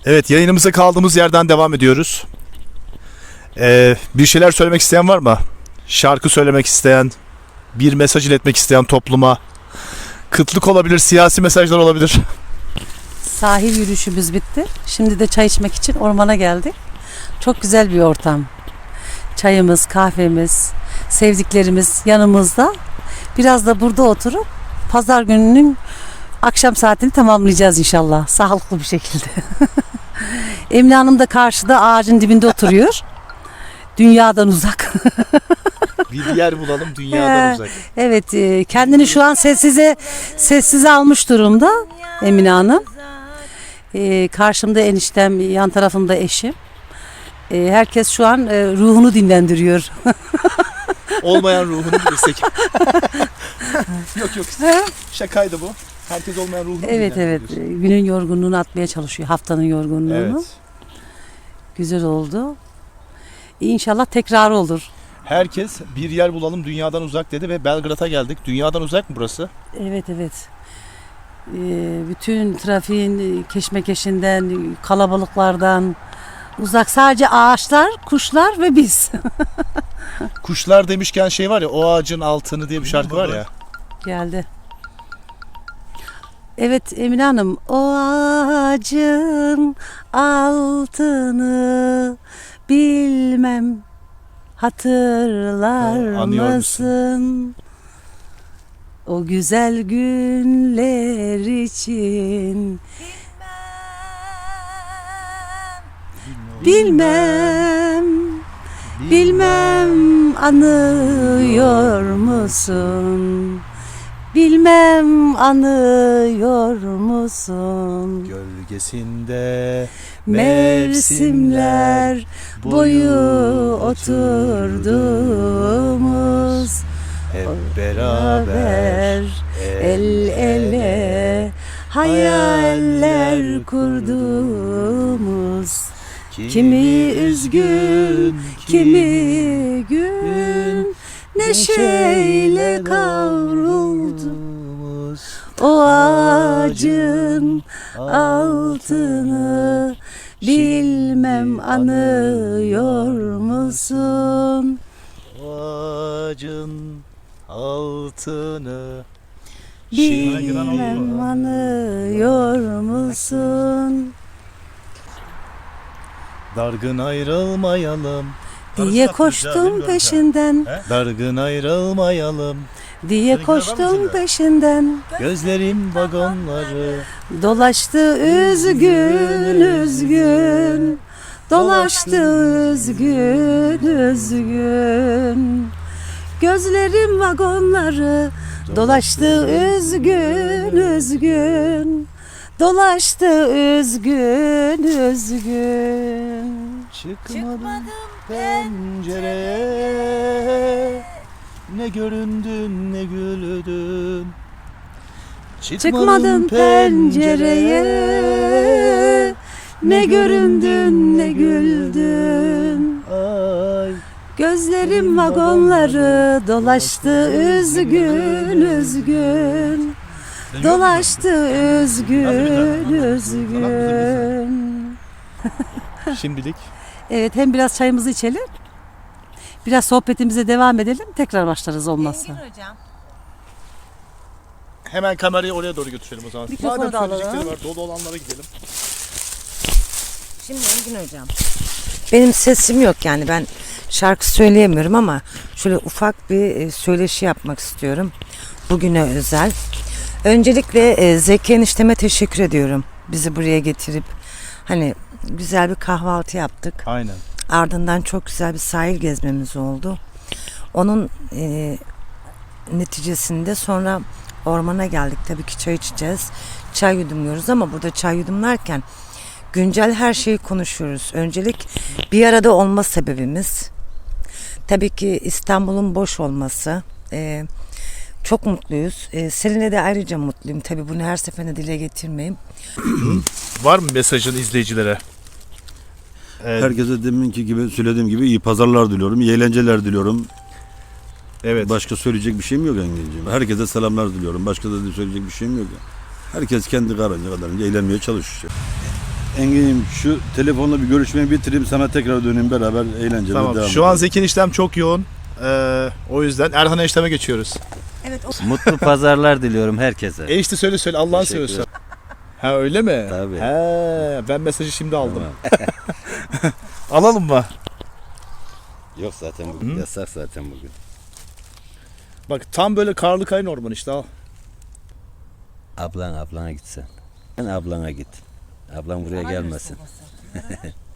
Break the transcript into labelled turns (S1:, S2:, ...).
S1: Evet, yayınımıza kaldığımız yerden devam ediyoruz. Bir şeyler söylemek isteyen var mı? Şarkı söylemek isteyen, bir mesaj iletmek isteyen topluma. Kıtlık olabilir, siyasi mesajlar olabilir.
S2: Sahil yürüyüşümüz bitti. Şimdi de çay içmek için ormana geldik. Çok güzel bir ortam. Çayımız, kahvemiz, sevdiklerimiz yanımızda. Biraz da burada oturup pazar gününün akşam saatini tamamlayacağız inşallah. Sağlıklı bir şekilde. Emine Hanım da karşıda ağacın dibinde oturuyor. Dünyadan uzak.
S1: Bir yer bulalım dünyadan uzak.
S2: Evet, kendini şu an sessize almış durumda Emine Hanım. Karşımda eniştem, yan tarafımda eşim. Herkes şu an ruhunu dinlendiriyor.
S1: Olmayan ruhunu bilirsek. Yok. Şakaydı bu. Herkes olmayan ruhunu
S2: Evet. Günün yorgunluğunu atmaya çalışıyor. Haftanın yorgunluğunu.
S1: Evet.
S2: Güzel oldu. İnşallah tekrar olur.
S1: Herkes bir yer bulalım dünyadan uzak dedi ve Belgrad'a geldik. Dünyadan uzak mı burası?
S2: Evet. Bütün trafiğin keşmekeşinden, kalabalıklardan uzak. Sadece ağaçlar, kuşlar ve biz.
S1: Kuşlar demişken şey var ya, o ağacın altını diye bir şarkı var ya.
S2: Geldi. Evet Emine Hanım, o ağacın altını bilmem hatırlar
S1: Anıyor
S2: mısın? O güzel günler için bilmem anıyor musun? Bilmem anıyor musun?
S1: Gölgesinde
S2: Mevsimler boyu oturduğumuz,
S1: hep beraber
S2: el ele hayaller kurduğumuz, kimi üzgün, kimi gün neşeyle kavrulduğumuz o ağacın altını bilmem anıyor musun?
S1: ağacın altını
S2: Bilmem anıyor musun?
S1: dargın ayrılmayalım,
S2: Diye koştum peşinden,
S1: dargın ayrılmayalım,
S2: diye koştum peşinden.
S1: gözlerim vagonları
S2: Dolaştı üzgün, dolaştı üzgün. Gözlerim vagonları, dolaştı üzgün, dolaştı üzgün.
S1: çıkmadım pencereye, ne göründün ne güldün.
S2: Çıkmadım pencereye, ne göründün ne güldün.
S1: Ay,
S2: Gözlerim vagonları, dolaştı üzgün, dolaştı üzgün.
S1: şimdilik
S2: Evet, hem biraz çayımızı içelim, biraz sohbetimize devam edelim, tekrar başlarız olmazsa.
S3: Engin hocam.
S1: hemen kamerayı oraya doğru götürelim o zaman.
S2: Mikrofonu
S1: Madem
S2: da alalım.
S1: söyleyecekleri var, dolu olanlara gidelim.
S3: Şimdi Engin hocam. Benim sesim yok yani, ben şarkı söyleyemiyorum ama şöyle ufak bir söyleşi yapmak istiyorum. Bugüne özel. Öncelikle Zeki enişteme teşekkür ediyorum. Bizi buraya getirip hani güzel bir kahvaltı yaptık.
S1: Aynen.
S3: Ardından çok güzel bir sahil gezmemiz oldu. Onun neticesinde sonra ormana geldik. Tabii ki çay içeceğiz. Çay yudumluyoruz ama burada çay yudumlarken güncel her şeyi konuşuyoruz. Öncelik bir arada olma sebebimiz tabii ki İstanbul'un boş olması. Çok mutluyuz. Seninle de ayrıca mutluyum. Tabii bunu her seferinde dile getirmeyeyim.
S1: Var mı mesajın izleyicilere?
S4: Herkese deminki gibi söylediğim gibi iyi pazarlar diliyorum, iyi eğlenceler diliyorum.
S1: Evet.
S4: Başka söyleyecek bir şeyim yok Engin'ciğim. Herkese selamlar diliyorum. Başka da söyleyecek bir şeyim yok. Herkes kendi kadarınca eğlenmeye çalışıyor. Engin'im şu telefonla bir görüşmeyi bitireyim, sana tekrar döneyim, beraber eğlenceli
S1: Tamam.
S4: devam
S1: Şu an
S4: edelim.
S1: Zeki eniştem çok yoğun. O yüzden Erhan enişteme geçiyoruz.
S3: Evet
S5: Mutlu pazarlar diliyorum herkese.
S1: Enişte söyle Allah'ını
S5: Teşekkür
S1: seviyorsun. Ha öyle mi?
S5: Tabii.
S1: He, ben mesajı şimdi aldım.
S5: Tamam.
S1: Alalım mı?
S5: Yok zaten bugün yasak zaten bugün.
S1: Bak tam böyle karlı kayın orman işte al.
S5: Ablana git sen. Sen ablana git. Ablam buraya gelmesin.